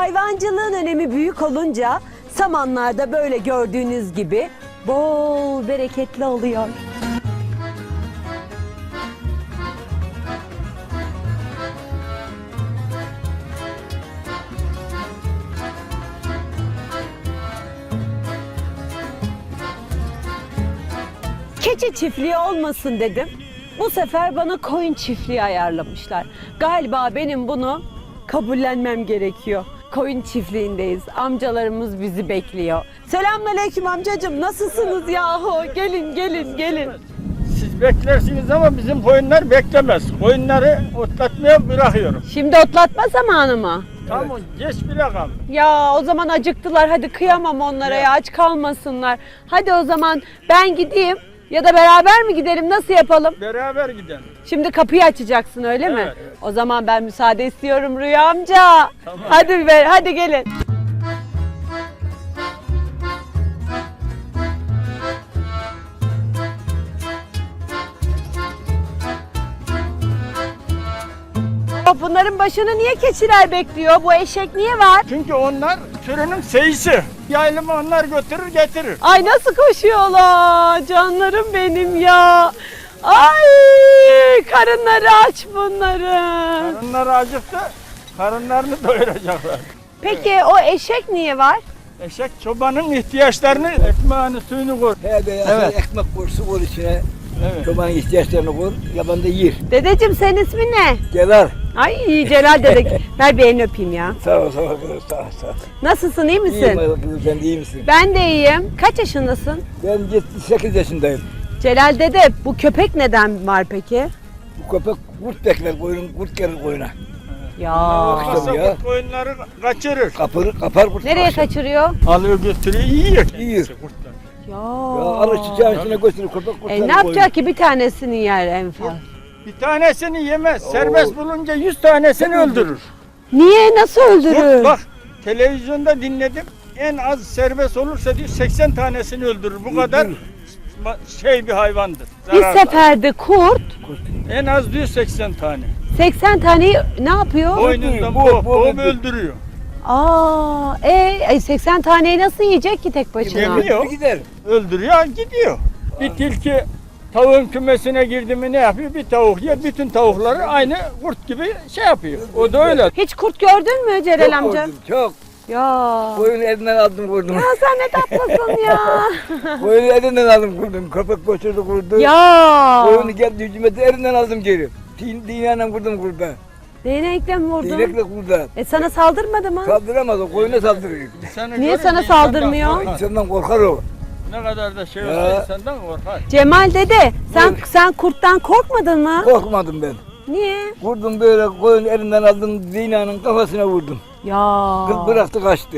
Hayvancılığın önemi büyük olunca samanlarda böyle gördüğünüz gibi bol bereketli oluyor. Keçi çiftliği olmasın dedim. Bu sefer bana koyun çiftliği ayarlamışlar. Galiba benim bunu kabullenmem gerekiyor. Koyun çiftliğindeyiz. Amcalarımız bizi bekliyor. Selamünaleyküm amcacığım. Nasılsınız yahu? Gelin, gelin, gelin. Siz beklersiniz ama bizim koyunlar beklemez. Koyunları otlatmaya bırakıyorum. Şimdi otlatma zamanı mı? Tamam, geç bile kal. Ya o zaman acıktılar. Hadi kıyamam onlara ya. Aç kalmasınlar. Hadi o zaman ben gideyim. Ya da beraber mi gidelim? Nasıl yapalım? Beraber gidelim. Şimdi kapıyı açacaksın öyle mi? Evet, evet. O zaman ben müsaade istiyorum Rüya amca. Tamam. Hadi gelin. Bunların başını niye keçiler bekliyor? Bu eşek niye var? Çünkü onlar sürünün seyisi. Yaylımı onlar götürür getirir. Ay nasıl koşuyorlar canlarım benim ya. Ay karınları aç bunların. Karınları acıktı, karınlarını doyuracaklar. Peki o eşek niye var? Eşek çobanın ihtiyaçlarını, ekmeğini, suyunu koy. He be ya, Evet. ekmek kursu koy içine. Evet. Çobanın ihtiyaçlarını koy, yaban da yer. Dedeciğim senin ismin ne? Gel al. Ay Celal dede. Ver bir elini öpeyim ya. Sağ ol, sağ ol, sağ ol, sağ ol. Nasılsın iyi misin? İyiyim kızım, sen de iyi misin? Ben de iyiyim. Kaç yaşındasın? Ben 78 yaşındayım. Celal dede bu köpek neden var peki? Bu köpek kurt bekler, kurt gelir koyuna. Ya. Olmazsa ya. kurt koyunları kaçırır. Kapar kurt. Nereye kaçar. kaçırıyor? Alıyor götürüyor, yiyor. Yiyor. Kurtlar. Ya alır çiçeğin içine götürür köpek kurtları Ne yapacak ki bir tanesini yer en fazla? Bir tanesini yemez. Serbest bulunca 100 tanesini öldürür. Niye? Nasıl öldürür? Bak televizyonda dinledim. En az serbest olursa diyor 80 tanesini öldürür. Bu kadar bir hayvandır. Bir zararlı. seferde kurt En az diyor 80 tane. 80 taneyi ne yapıyor? Boynundan bu boğup öldürüyor. 80 taneyi nasıl yiyecek ki tek başına? Yemiyor. Gider. Öldürüyor, gidiyor. Bir tilki tavuğun kümesine girdi mi ne yapıyor? Bir tavuk yer, bütün tavukları aynı kurt gibi şey yapıyor. O da öyle. Hiç kurt gördün mü Celal Çok amca? vurdum, çok. Ya. Koyunu elinden aldım kurdum. Ya sen ne tatlısın ya. Koyunu elinden aldım kurdum. Köpek götürdü kurdu. Ya. Koyunu geldi hücumete elinden aldım geri. Dinle kurdum kurda. Değnekle mi vurdun? Dinekle kurda. Sana saldırmadı mı? Saldıramaz o, koyuna saldırıyor. Niye sana saldırmıyor? İnsandan korkar o. Ne kadar da şey Ya. olsa insandan korkar. Cemal dede Buyur. sen kurttan korkmadın mı? Korkmadım ben. Niye? Vurdum böyle koyun elinden aldım zinanın kafasına vurdum. Ya. Kız bıraktı kaçtı.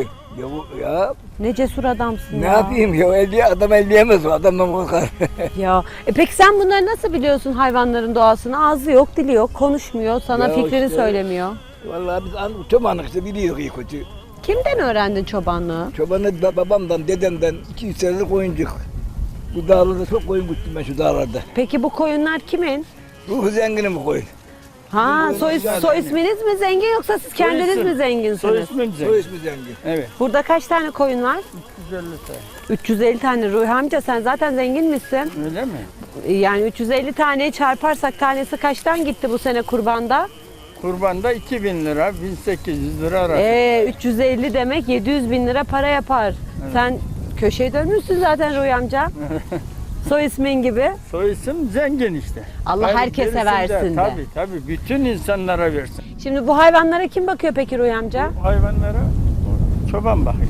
Ya Ne cesur adamsın ne ya. yapayım ya adam elleyemez o adamdan korkar. Ya. Peki sen bunları nasıl biliyorsun hayvanların doğasını? Ağzı yok, dili yok, konuşmuyor, sana Ya fikrini işte. söylemiyor. Vallahi biz çobanlık işte biliyoruz iyi kötü. Kimden öğrendin çobanlığı? Çobanı babamdan dedemden 200 senelik koyuncuk. Bu dağlarda çok koyun güttüm ben şu dağlarda. Peki bu koyunlar kimin? Ruhu zenginim bu koyun. Ha, soy zengin. isminiz mi zengin yoksa siz kendiniz isim. mi Soy zenginsiniz? ismin Soy Cenk. ismi zengin. Evet. Burada kaç tane koyun var? 150 tane. 350 tane. Ruhi amca sen zaten zengin misin? Öyle mi? Yani 350 taneyi çarparsak tanesi kaçtan gitti bu sene kurbanda? Kurbanda 2000 lira, 1800 lira arası. 350 demek 700 bin lira para yapar. Sen köşeye dönmüşsün zaten Ruhi amca. Soy ismin gibi. Soy isim zengin işte. Allah herkese gerisi versin de. Tabii bütün insanlara versin. Şimdi bu hayvanlara kim bakıyor peki Ruhi amca? Bu hayvanlara çoban bakıyor.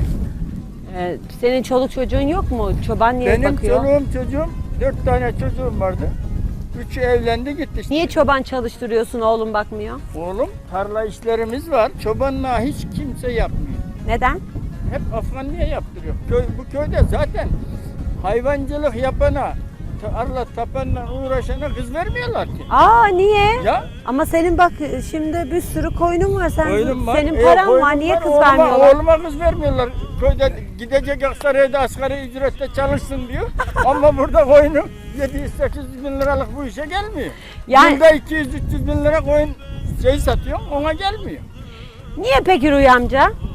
Senin çoluk çocuğun yok mu? Çoban niye Benim bakıyor? çoluğum çocuğum, 4 tane çocuğum vardı. 3'ü evlendi gitti işte. Niye çoban çalıştırıyorsun oğlum bakmıyor? Oğlum tarla işlerimiz var. Çobanlığa hiç kimse yapmıyor. Neden? Hep Afganlı'ya yaptırıyor. Bu köyde zaten hayvancılık yapana, tarla tapanla uğraşana kız vermiyorlar ki. Niye? Ya Ama senin bak şimdi bir sürü koyunun var. koyunum var. Senin paran koyunum var. Niye kız oğluma, vermiyorlar? Oğluma kız vermiyorlar. Köyde gidecek Aksaray'da asgari ücretle çalışsın diyor. Ama burada koyunum 700-800 bin liralık bu işe gelmiyor. Yani- Yılda 200-300 bin lira koyun satıyor, ona gelmiyor. Niye peki Ruhi amca?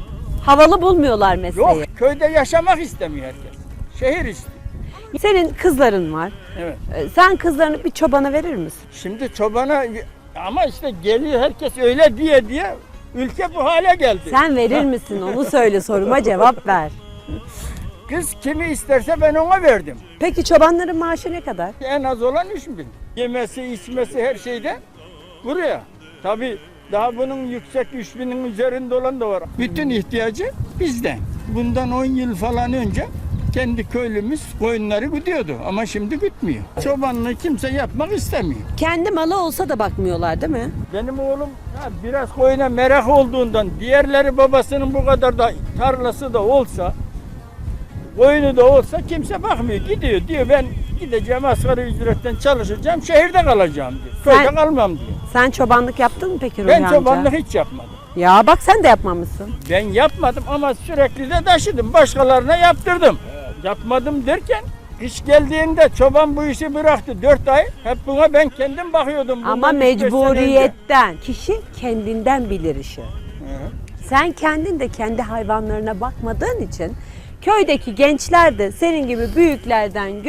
Havalı bulmuyorlar mesleği. Yok, köyde yaşamak istemiyor herkes. Şehir istiyor. Senin kızların var. Evet. Sen kızlarını bir çobana verir misin? Şimdi çobana ama işte geliyor herkes öyle diye ülke bu hale geldi. Sen verir misin? Onu söyle, soruma cevap ver. Kız kimi isterse ben ona verdim. Peki çobanların maaşı ne kadar? En az olan 3.000. Yemesi, içmesi her şeyde buraya. Tabii daha bunun yüksek 3.000'in üzerinde olan da var. Bütün ihtiyacı bizden. Bundan 10 yıl falan önce kendi köylümüz koyunları güdüyordu ama şimdi gütmüyor. Çobanlığı kimse yapmak istemiyor. Kendi malı olsa da bakmıyorlar değil mi? Benim oğlum biraz koyuna merak olduğundan diğerleri babasının bu kadar da tarlası da olsa koyunu da olsa kimse bakmıyor. Gidiyor diyor ben gideceğim asgari ücretten çalışacağım şehirde kalacağım diyor. Köyde kalmam diyor. Sen çobanlık yaptın mı peki Ruhi Ben amca? çobanlık hiç yapmadım. Ya bak sen de yapmamışsın. Ben yapmadım ama sürekli de taşıdım. Başkalarına yaptırdım. Yapmadım derken iş geldiğinde çoban bu işi bıraktı. 4 ay hep buna ben kendim bakıyordum. Ama Bundan 3-5 sene önce. mecburiyetten. Kişi kendinden bilir işi. Hı. Sen kendin de kendi hayvanlarına bakmadığın için köydeki gençler de senin gibi büyüklerden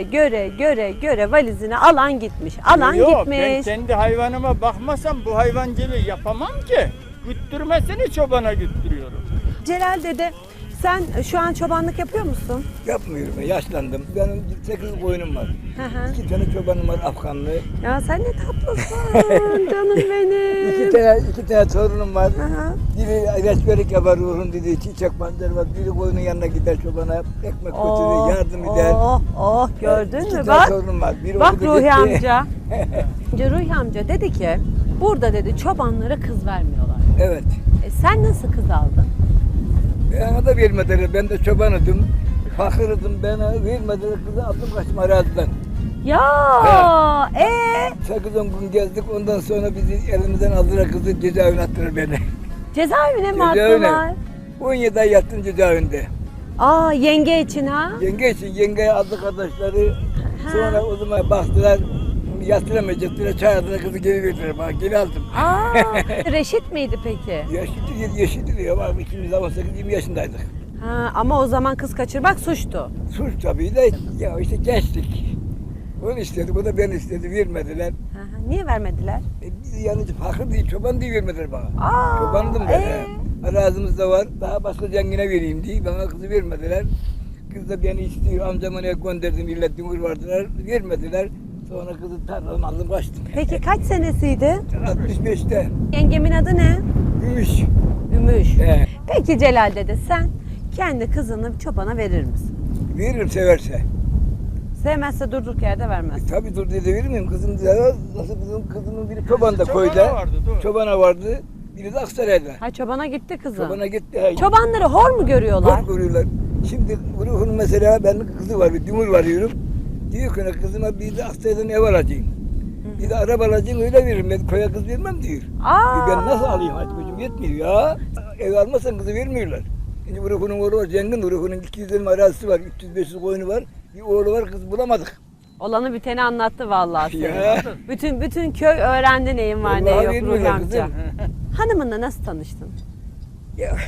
göre valizini alan gitmiş. Alan Yok, gitmiş. ben kendi hayvanıma bakmasam bu hayvancılığı yapamam ki. Güttürmesini çobana güttürüyorum. Celal dede sen şu an çobanlık yapıyor musun? Yapmıyorum, yaşlandım. Benim 8 koyunum var. Hı hı. 2 tane çobanım var Afganlı. Ya sen ne tatlısın canım benim. 2 tane torunum var. Hı hı. Biri reçbelik yapar ruhun dediği çiçek pancar var. Biri koyunun yanına gider çobana ekmek götürür, yardım eder. Gördün 2 mü tane bak. torunum var. Biri Bak okudu Ruhi gitti. amca. Ruhi amca dedi ki burada dedi çobanlara kız vermiyorlar. Evet. Sen nasıl kız aldın? Bana da vermediler. Ben de çobanıydım. Fakirdim. Bana vermediler. Kızı aldım kaçtım araziden. Ya 8-10 gün gezdik. Ondan sonra bizi elimizden aldılar kızı cezaevine attılar beni. cezaevine mi Cezaevine. attılar? 17 ay yattım cezaevinde. Yenge için ha? Yenge için yengeye aldı kardeşleri. Sonra o zaman baktılar. Yatıramayacaklar. Çağırdılar kızı geri verdiler bana. Geri aldım. Reşit miydi peki? Yaşıtı diyor. Bak ikimiz de 18-20 yaşındaydık. Ama o zaman kız kaçırmak suçtu. Suç tabii de ya işte gençlik. Onu istedik, o da ben istedi, vermediler. Niye vermediler? Biz yani fakir değil, çoban diye vermediler bana. Aa, Çobandım ben. Arazimiz de var, daha başka zengine vereyim diye bana kızı vermediler. Kız da beni istiyor, amcama ne gönderdim, millet dümür vardılar, vermediler. Sonra kızı tarladan aldım, kaçtım. Peki kaç senesiydi? 65'te. Yengemin adı ne? Gümüş. Ümüş. He. Peki Celal dede sen kendi kızını çobana verir misin? Veririm severse. Sevmezse durduk yerde vermez. Tabii dur dedi verir miyim? Kızım da nasıl kızımın biri çoban da Çobana koyda. vardı, doğru. Çobana vardı. Biri de Aksaray'da. Çobana gitti kızım. Çobana gitti. Çobanları hor mu görüyorlar? Çok görüyorlar. Şimdi ruhun mesela benim kızı var, bir dümür varıyorum. Diyor ki kızıma bir de Aksaray'dan ev alacağım. Bir de araba alacağım öyle veririm. Ben koya kız vermem diyor. Ben nasıl alayım? Hadi gücüm yetmiyor ya. Ev almazsan kızı vermiyorlar. Şimdi ruhunun oğlu var, zengin ruhunun 200 dönüm arazisi var, 300-500 koyunu var. Bir oğlu var, kız bulamadık. Olanı biteni anlattı vallahi Ya. senin. Bütün köy öğrendi neyin var ne Vallahi yok Ruhi bilmiyorlar amca. kızım. Hanımınla nasıl tanıştın? Ya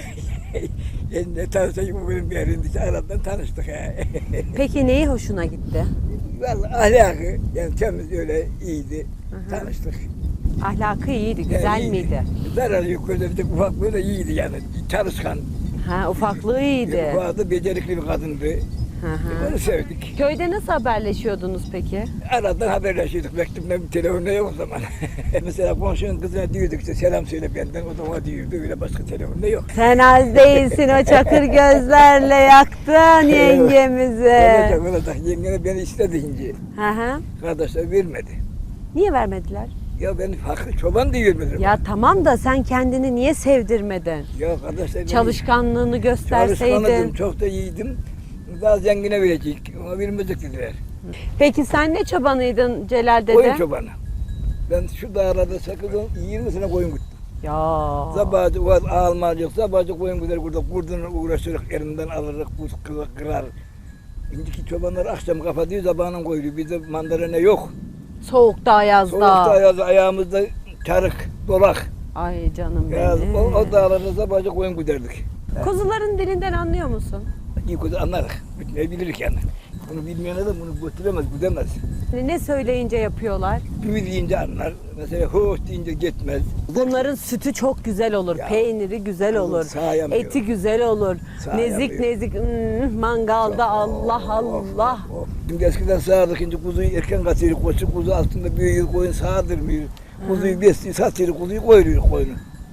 ne tanıştık bu benim bir yerindeki aradan tanıştık ha. Peki neyi hoşuna gitti? Vallahi ahlakı yani temiz öyle iyiydi. Tanıştık. Ahlakı iyiydi, güzel Yani miydi? Zararı yok öyle bir de ufak böyle iyiydi yani. Çalışkan. Ufaklığı iyiydi. Ufak da becerikli bir kadındı. Onu sevdik. Köyde nasıl haberleşiyordunuz peki? Aradan haberleşiyorduk. Mektupla bir telefonla yok o zaman. Mesela komşunun kızına diyorduk işte selam söyle benden. O da ona diyordu. Öyle başka telefonla yok. Sen az değilsin o çakır gözlerle yaktın yengemizi. Olacak. Yengene beni istedi ince. Kardeşler vermedi. Niye vermediler? Ya ben fakir çoban diye vermediler. Ya tamam da sen kendini niye sevdirmedin? Ya kardeşler Çalışkanlığını gösterseydin. çalışkanıydım, çok da iyiydim. Daha zengine verecek, ona vermeyecek dediler. Peki sen ne çobanıydın Celal dede? Koyun çobanı. Ben şu dağlarda 8-20 sene koyun güttüm. Ya. Sabahcı var, almacık, sabahcı koyun güder burada, kurdunu uğraşırız, elimden alırız, buz kırar. Şimdiki çobanlar akşam kapatıyor, sabahına koyuyor. Bizde mandalina yok. Soğukta, yazda. Soğukta, yazda, ayağımızda çarık, dolak. Ay canım Ya, benim. o dağlarda sabahcı koyun güderdik. Kuzuların dilinden anlıyor musun? İyi kuzu anlarız. Ne biliriz yani. Bunu bilmeyen adam bunu götüremez, gidemez. Ne söyleyince yapıyorlar? Düğü deyince anlar. Mesela hoş deyince gitmez. Bunların sütü çok güzel olur, Ya, peyniri güzel olur, sağayamıyor. eti güzel olur, Sağayamıyor. nezik nezik mangalda Allah Allah. Şimdi eskiden sağardık, şimdi kuzuyu erken kaçırır, koçu kuzu altında büyüyor, koyun sağdırmıyor. Kuzuyu besliyor, satıyor, kuzuyu koyuyor koyunu.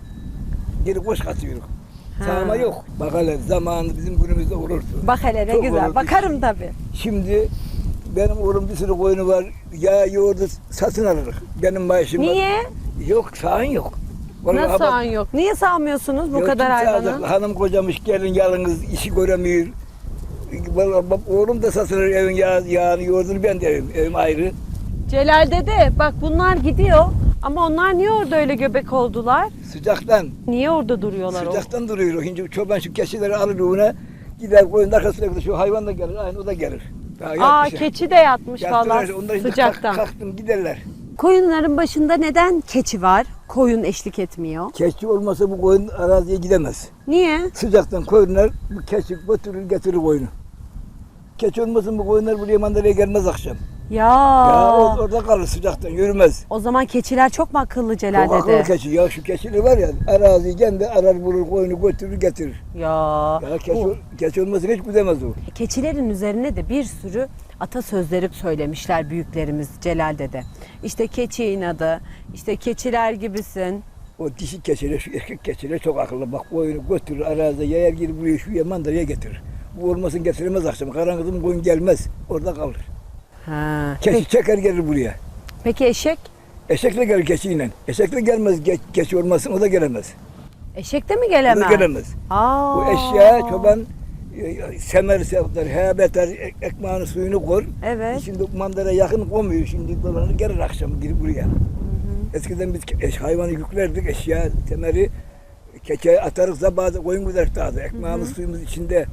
Geri koş kaçıyor. Sağma yok. Bak hele zamanı bizim günümüzde olurdu. Bak hele ne Çok güzel, olurdu. bakarım tabii. Şimdi benim oğlum bir sürü koyunu var, ya yoğurdu satın alırız. Benim maaşım var. Niye? Yok, sağın yok. Vallahi Nasıl bak- sağın yok? Niye sağmıyorsunuz bu Yok, kadar kimse hayvanı? alacak. Hanım kocamış gelin yalnız işi göremiyor. Vallahi bak, oğlum da satılır evin yağını yoğurdunu ben de evim ayrı. Celal dede bak bunlar gidiyor ama onlar niye orada öyle göbek oldular? Sıcaktan, Niye orada duruyorlar? sıcaktan duruyor. Şimdi çoban şu keçileri alır ona gider koyun arkasına gider. Şu hayvan da gelir, aynı o da gelir. Daha Aa yatmış. keçi de yatmış Yattılar, falan onlar şimdi sıcaktan. kalktım giderler. Koyunların başında neden keçi var? Koyun eşlik etmiyor. Keçi olmasa bu koyun araziye gidemez. Niye? Sıcaktan koyunlar bu keçi götürür getirir koyunu. Keçi olmasın bu koyunlar buraya mandalaya gelmez akşam. Ya. Ya orada kalır sıcaktan yürümez. O zaman keçiler çok mu akıllı Celal Çok akıllı dede? keçi. Ya şu keçiler var ya araziyi kendi arar bulur koyunu götürür getirir. Ya. Ya keçi olmasın hiç gidemez o. Keçilerin üzerine de bir sürü atasözleri söylemişler büyüklerimiz Celal dede. İşte keçi inadı, işte keçiler gibisin. O dişi keçiler, şu erkek keçiler çok akıllı. Bak koyunu götürür arazide yayar girip buraya şu mandalaya getirir. Bu olmasın getiremez akşam. Karanlıkta koyun gelmez. Orada kalır. Ha. Keçi çeker gelir buraya. Peki eşek? Eşekle gelir keçiyle. Eşekle gelmez keçi olmasın o da gelemez. Eşek de mi O gelemez? da gelemez. Aa. Bu eşya çoban semer sevdir, beter ekmeğini suyunu koy. Evet. Şimdi mandara yakın koymuyor. Şimdi dolanır gelir akşam girip buraya. Eskiden biz hayvanı yüklerdik eşya temeri keçe atarız da bazı koyun gider taze. Ekmeğimiz suyumuz içinde.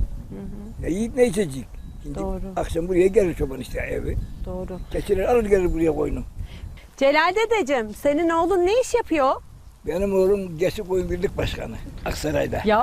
Ne yiyip ne içecek. Şimdi Doğru. akşam buraya gelir çoban işte evi. Doğru. Keçiler alır gelir buraya koyunu. Celal dedeciğim senin oğlun ne iş yapıyor? Benim oğlum Geçi Koyun Birlik Başkanı Aksaray'da. Ya.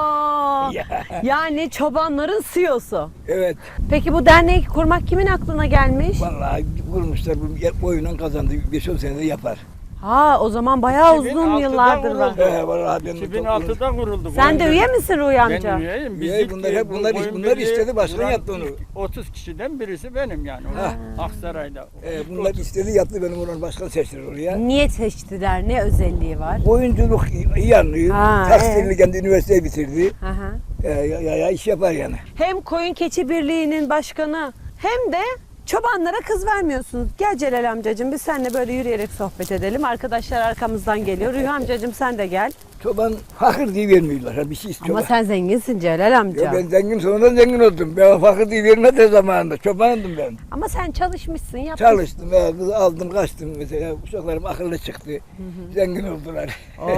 Ya. Yani çobanların CEO'su. Evet. Peki bu derneği kurmak kimin aklına gelmiş? Vallahi kurmuşlar bu oyundan kazandı. 5-10 senede yapar. Ha o zaman bayağı 2006'da uzun yıllardır var. vuruldu. Vallahi ben 2006'da kuruldu. Sen de üye misin Ruhi amca? Ben üyeyim. Biz Üye, ilk bunlar hep bu bunlar- oyun bunlar birliği istedi, başkan kuran yaptı onu. ilk 30 kişiden birisi benim yani. Aksaray'da. İlk Bunlar 30. istedi yaptı benim oğlan başkan seçtiler oraya. Niye seçtiler? Ne özelliği var? Oyunculuk iyi anlıyor. Ha, Tekstilini kendi üniversiteyi bitirdi. Hı hı. Ya iş yapar yani. Hem Koyun Keçi Birliği'nin başkanı hem de çobanlara kız vermiyorsunuz. Gel Celal amcacığım biz seninle böyle yürüyerek sohbet edelim. Arkadaşlar arkamızdan geliyor. Ruhi amcacığım sen de gel. Çoban fakir diye vermiyorlar. Ha, bir şey istiyorlar. Ama sen zenginsin Celal amca. Ya ben zengin sonradan zengin oldum. Ben fakir diye vermedi zamanında. Çobandım ben. Ama sen çalışmışsın, yapmışsın. Çalıştım ya, kızı aldım kaçtım mesela. Uşaklarım akıllı çıktı. Zengin oldular.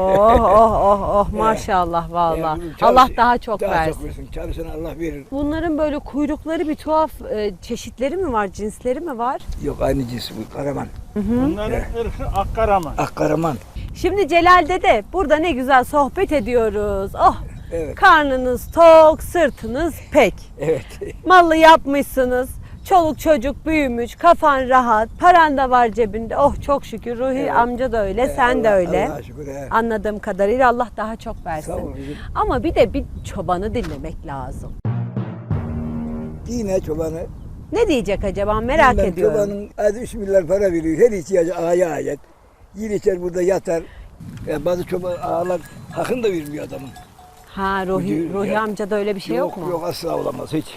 Oh maşallah vallahi. Ya, bizim Allah çalış- daha çok daha versin. çok versin. Çalışan Allah verir. Bunların böyle kuyrukları bir tuhaf çeşitleri mi var, cinsleri mi var? Yok aynı cins bu. Karaman. Bunların ırkı Akkaraman. Akkaraman. Şimdi Celal dede burada ne güzel sohbet ediyoruz. Oh Evet. karnınız tok, sırtınız pek. Evet. Mallı yapmışsınız. Çoluk çocuk büyümüş, kafan rahat, paran da var cebinde. Oh çok şükür Ruhi Evet. amca da öyle, sen de Allah- öyle. Allah'a şükür. He. Anladığım kadarıyla Allah daha çok versin. Sağ ol kızım. Ama bir de bir çobanı dinlemek lazım. Yine çobanı. Ne diyecek acaba merak bilmem, ediyorum. Çobanın az 3 milyar para veriyor. Her ihtiyacı ağaya ayet. Yer içer burada yatar. Bazı çoban ağalar hakkını da vermiyor adamın. Ha Diyor Ruhi ya. amcada öyle bir şey yok mu? Yok asla olamaz hiç.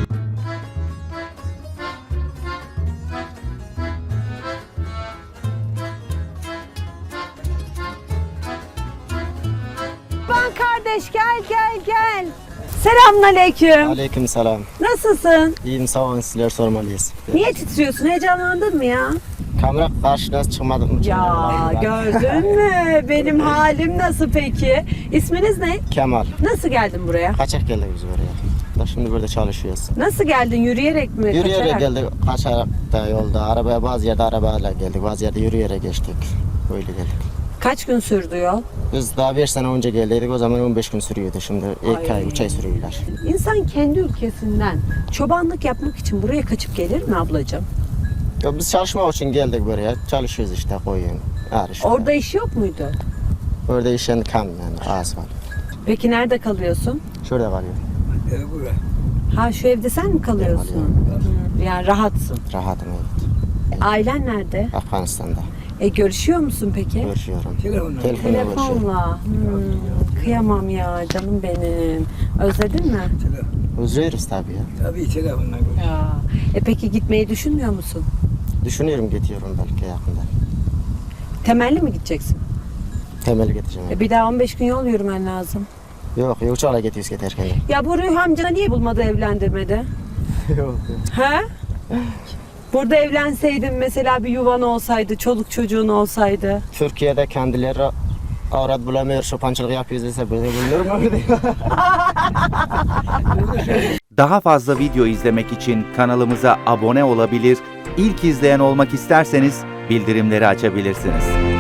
Ben kardeş gel. Selamünaleyküm. Aleykümselam. Nasılsın? İyiyim sağ olun sizler sormalıyız. Niye titriyorsun? Heyecanlandın mı ya? Kamera karşına çıkmadım. Ya gördün mü? Benim halim nasıl peki? İsminiz ne? Kemal. Nasıl geldin buraya? Kaçak geldik biz buraya. Da şimdi burada çalışıyoruz. Nasıl geldin? Yürüyerek mi? Yürüyerek kaçarak? geldik. Kaçarak da yolda. Arabaya bazı yerde arabayla geldik. Bazı yerde yürüyerek geçtik. Böyle geldik. Kaç gün sürdü yol? Biz daha 5 sene önce geldiydik, o zaman 15 gün sürüyordu. Şimdi 2 ay, 3 ay sürüyorlar. İnsan kendi ülkesinden çobanlık yapmak için buraya kaçıp gelir mi ablacığım? Ya biz çalışmak için geldik buraya. Çalışıyoruz işte, koyun, ağır. Orada iş yok muydu? Orada işen kam yani, az var. Peki nerede kalıyorsun? Şurada kalıyor. Bura. Ha şu evde sen mi kalıyorsun? Yani rahatsın. Rahatım, evet. Ailen nerede? Afganistan'da. Görüşüyor musun peki? Görüşüyorum. Telefonla. Telefonla görüşüyorum. Telefonla. Kıyamam ya canım benim. Özledin mi? Özlüyoruz tabii ya. Tabii telefonla. Ya. Peki gitmeyi düşünmüyor musun? Düşünüyorum, gidiyorum belki yakında. Temelli mi gideceksin? Temel getireceğim. Bir daha 15 gün yol yürümen lazım. Yok, uçakla gidiyoruz giderken. Ya bu Ruhi amcana niye bulmadı, evlendirmedi? Yok. He? Burada evlenseydin mesela, bir yuvan olsaydı, çoluk çocuğun olsaydı. Türkiye'de kendileri avrat bulamıyor, çobancılık yapıyoruz dese böyle bulunur mu? Daha fazla video izlemek için kanalımıza abone olabilir, ilk izleyen olmak isterseniz bildirimleri açabilirsiniz.